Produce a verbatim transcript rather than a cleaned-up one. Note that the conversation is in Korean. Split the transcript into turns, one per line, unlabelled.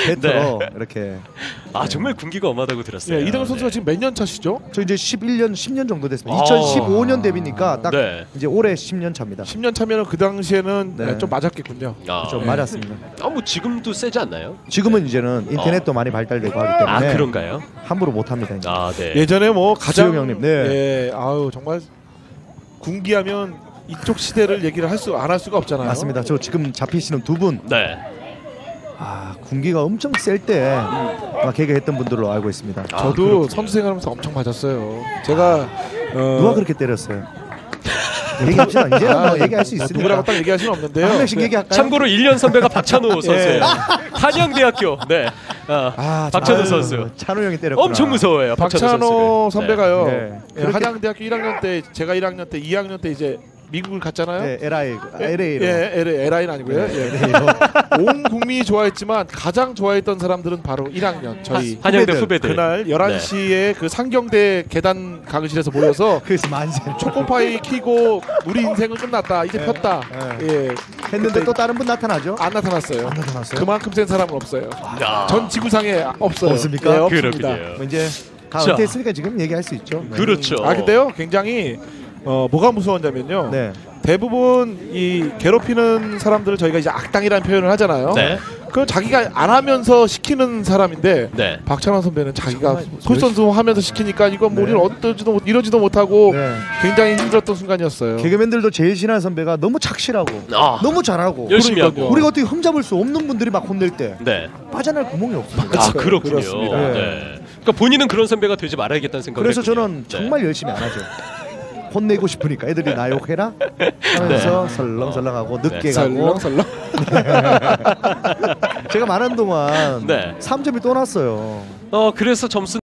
배터로 네. 이렇게.
아 정말 군기가 엄하다고 들었어요.
네, 이동현 선수가
네.
지금 몇 년 차시죠?
저 이제 십일 년, 십 년 정도 됐습니다. 아 이천십오 년 데뷔니까 딱 네. 이제 올해 십 년 차입니다.
십 년 차면은 그 당시에는
네.
네, 좀 맞았겠군요.
아,
좀
네.
맞았습니다.
아 뭐 지금도 세지 않나요?
지금은 이제는 인터넷도
어.
많이 발달되고 하기 때문에.
아 그런가요?
함부로 못 합니다. 이제.
아 네.
예전에 뭐 가장
수영 형님, 네.
예, 아유 정말 군기하면 이쪽 시대를 얘기를 할 수 안 할 수가 없잖아요.
맞습니다. 저 지금 잡히시는 두 분.
네.
아 군기가 엄청 셀 때 막 개그했던 분들로 알고 있습니다.
아, 저도
아,
선수 생활하면서 엄청 맞았어요. 제가 어...
누가 그렇게 때렸어요? 얘기합시다. 이제 뭐
아,
얘기할 수 있으니까.
누구라고 딱 얘기할 수는 없는데요.
한 명씩
네.
얘기할까요?
참고로 일 년 선배가 박찬호 선수예요. 한양대학교. 네. 아,
아,
박찬호
아유,
선수.
찬호 형이 때렸구나.
엄청 무서워요. 박찬호,
박찬호
선수를.
선배가요.
네.
예, 한양대학교 일 학년 때 제가 일 학년 때 이 학년 때 이제 미국을 갔잖아요.
네, 엘아이, 엘에이로.
예, 엘에이는 아니고요.
네,
예.
엘에이로.
온 국민이 좋아했지만 가장 좋아했던 사람들은 바로 일 학년 저희
한, 한양대
후배들.
후배들.
그날 열한 시에 네. 그 상경대 계단 강의실에서 모여서
그래서 만세.
초코파이 키고 우리 인생은 끝났다 이제
네.
폈다
네.
예.
했는데 또 다른 분 나타나죠?
안 나타났어요.
안 나타났어요?
그만큼 센 사람은 없어요.
야.
전 지구상에 없어요.
없습니까?
예, 없습니다.
그렇군요.
뭐 이제 다
자.
은퇴했으니까 지금 얘기할 수 있죠. 네.
그렇죠.
아 근데요 굉장히 어, 뭐가 무서웠냐면요.
네.
대부분 이 괴롭히는 사람들을 저희가 이제 악당이라는 표현을 하잖아요.
네.
그건 자기가 안 하면서 시키는 사람인데
네.
박찬원 선배는 자기가
정말
솔선수범하면서 시키니까 이건 뭐
네.
우리는 어떠지도 못, 이러지도 못하고
네.
굉장히 힘들었던 순간이었어요.
개그맨들도 제일 친한 선배가 너무 착실하고
아.
너무 잘하고
열심히
그러니까요.
하고.
우리가 어떻게 흠잡을 수 없는 분들이 막 혼낼 때
네.
빠져날 구멍이 없습니다.
아 그렇군요.
그렇습니다.
네. 그러니까 본인은 그런 선배가 되지 말아야겠다는 생각을
그래서
했군요.
저는
네.
정말 열심히 안 하죠. 혼내고 싶으니까 애들이 나 욕해라 하면서
네.
설렁설렁하고 늦게
네.
가고
설렁설렁.
제가 말하는 동안
네.
삼 점이 또 났어요.
어 그래서 점수